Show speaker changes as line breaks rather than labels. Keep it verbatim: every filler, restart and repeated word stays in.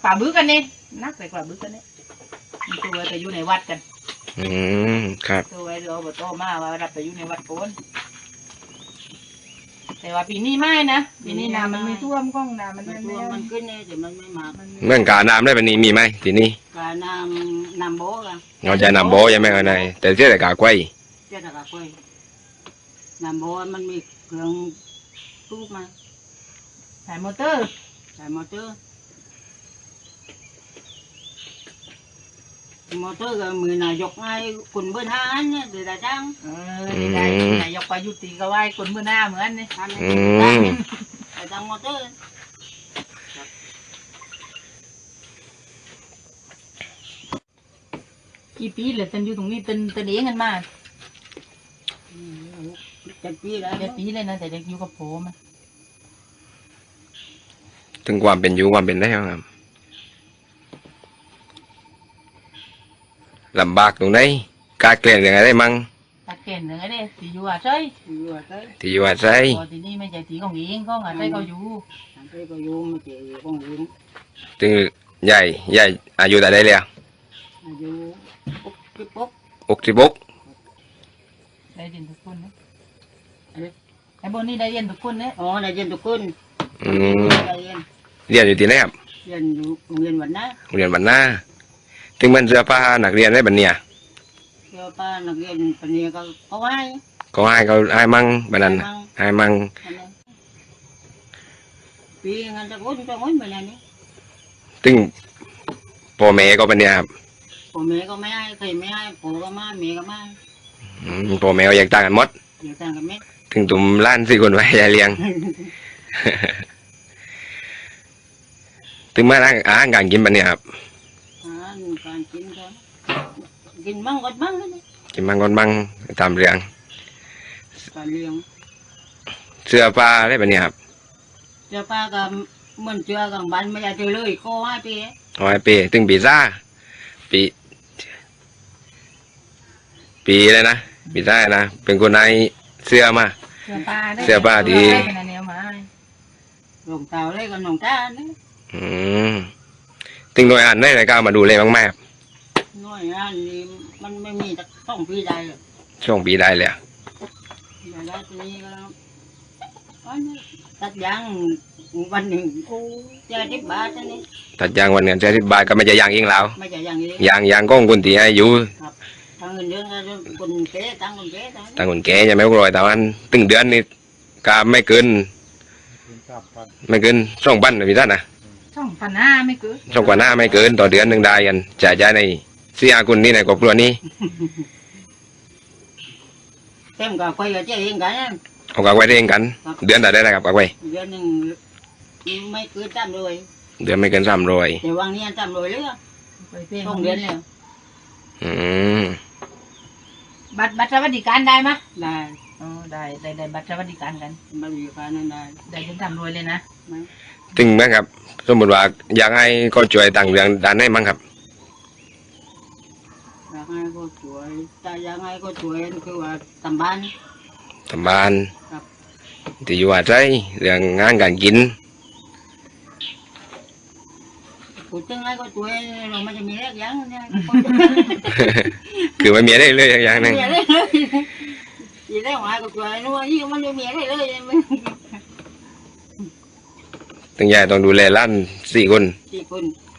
ป่าบึ้กันนี่นักแต่ป่าบึ้กันนี่ตัวแต่อยู่ในวัดกัน
อืมครับ
ตัวไอ้เราบอกโตมาว่ารับไปอยู่ในวัดโกนแต่ว่าปีนี้ไม่นะปีนี้น้ำมันไม่ท่วมก้องน้ำมันไม่ท่วมมันขึ้นเนี่ยแต่มันไม่มา
เรื่องการน้ำได้แบบนี้มีไหมที่นี่
การน้ำน้ำโบ๊กัน
เราจะน้ำโบ๊ยังไม่เอาไหนแต่เชื่อแต่กากล้วย
เชื่อแต่กากล้วยน้ำโบ๊มันมีเครื่องตู้มาสายมอเตอร์สายมอเตอร์มอเตอร์ก็มือนายกไงคนเบอร์ห้าเนี่ยเดี๋ยวได้จังเออนายกไปยุติก็ไหวคนเบอร์หน้าเหมือนนี่ได้จังมอเตอร์กี่ปีเลยตันอยู่ตรงนี้ตันตันเองกันมาเจ็ดปีแล้วเจ็ดปีเลยนะแต่เด็กอยู่กับผม
ถึงความเป็นอยู่ความเป็นได้ครับลำบากตรงไหนกาเกลี่ยยังไงได้มั่ง
กาเกลี่ยยังไงได้ที่อยู่อาศัยที่อยู่อาศัย
ที่อยู่อาศัย
ที่นี่ไม่ใช่ที่ของเองของอาศัยเขาอยู่อาศัยเขาอยู่ไม่ใช่ของเอง
ถึงใหญ่ใหญ่อายุแต่ได้เลย
อายุหกสิบหก
หกสิบหก
ได้เรียนทุกคนนะไอ้บนนี้ได้เรียนทุกคนนะอ๋อได้เรียนทุกคน
อืมเรียนอยู่ที่ไหนครับ
เรียนอยู่โรงเรียนวันน้า
โรงเรียนวันน้าถึงมันเสื้อผ้านักเรียนได้บันเนี่ย
เสื้อผ้านักเรียนบันเนี่ยก็เขาให้
เขาให้เขาให้มั่งบันนั้นให้มั่ง
ปีงานจะก้นจะก้นบันนี้
ถึงพ่อแม่ก็บันเนี่ยครับ
พ่อแม่ก็ไม่ให้ใครไม่ให้พ่อก็มาแม่ก็มา
พ่อแม่ก็อยากต่างกันหมด
อยากต่างกันไหม
ถึงตุ่มล้านสี่คนไว้ยายเลี้ยงถึงมาอาหารการกินบันเนี่ยครับ
การกินก็กินมั่งกดมั่งนี่
กินมั่งกดมั่งตามเรื่อง
การเลี้ยง
เสื้อผ้าได้แบบนี้ครับ
เสื้อผ้าก็เหมือนเสื้อกับบ้านไม่ได้เจอเลยก็ให้ปี
อ๋อให้ปีถึงปีซ่าปีปีเลยนะปีซ่านะเป็นคนในเสื้อมา
เสื้อผ้า
เสื้อผ้าดี
หลงเต่าเลยกับหลงตาเนี่ย
อืมถึงหน่วยงานได้รายการมาดูเลยบ้างไหมครับ
หน่วยงานนี้มันไม่มีสักช่องปีใดเลย
ช่องปีได้เลย
แต่แล้วทีนี้ก็ตัดยางวันหนึ่งกูจะทิบบาทนี่
ตัดยางวันหนึ่งจะทิบบาทก็ไม่จะยางเองแล้ว
ไม่จะยางเอง
ยางยางก้องคนที่ให้อยู่
ทางเงินเดือนก็คนเก๋ตั้งคนเก๋
ตั้งคนเก๋ยังไม่รวยแต่วันตึงเดือนนี่ก็ไม่เกินไม่เกินสองพันนะพี่ท่านนะ
ช่องพันห้าไม่เกิน
ช่องกว่าหน้าไม่เกินต่อเดือนหนึ่งได้กันจ่ายใจในเสียคุณนี่ในครอบครัวนี้
เต็มกับไปกับเจ๊เองกัน
เอากับไว้เองกันเดือนแต่ได้กับกับไว้
เดือนหนึ่งไม่เกินสามร้อย
เดือนไม่เกินสามร้อย
แต่วางนี้สามร้อยเลยช่องเดือนแล้ว
อืม
บัตรบัตรสวัสดิการได้ไหมได้อ๋อได้ได้ได้บัตรสวัสดิการกันบัตรสวัสดิการนั่นได้ได้จนสามร้อยเลยนะ
ถึงไหมครับสมมติว่าอยากให้ก็ช่วยต่างเรื่องด้านไหนมั้งครับ
อยากให้ก็ช่วยแต่อยากให้ก็ช่วยคือว่าทำบ้าน
ทำบ้านที่อยู่อาศัยเรื่องงานการกิน
พูดถึงให้ก็ช่วยเราไม่จะมีอะไรอย่างเนี่ย
คือไม่มีอะไรเลยอย่างนึง
มีอะไรเลยมีอะไรหวานก็ช่วยนู้นนี่มันไม่มีอะไรเลย
ตั้งใหญ่ต้องดูแลล้านสี่คน
สี่คน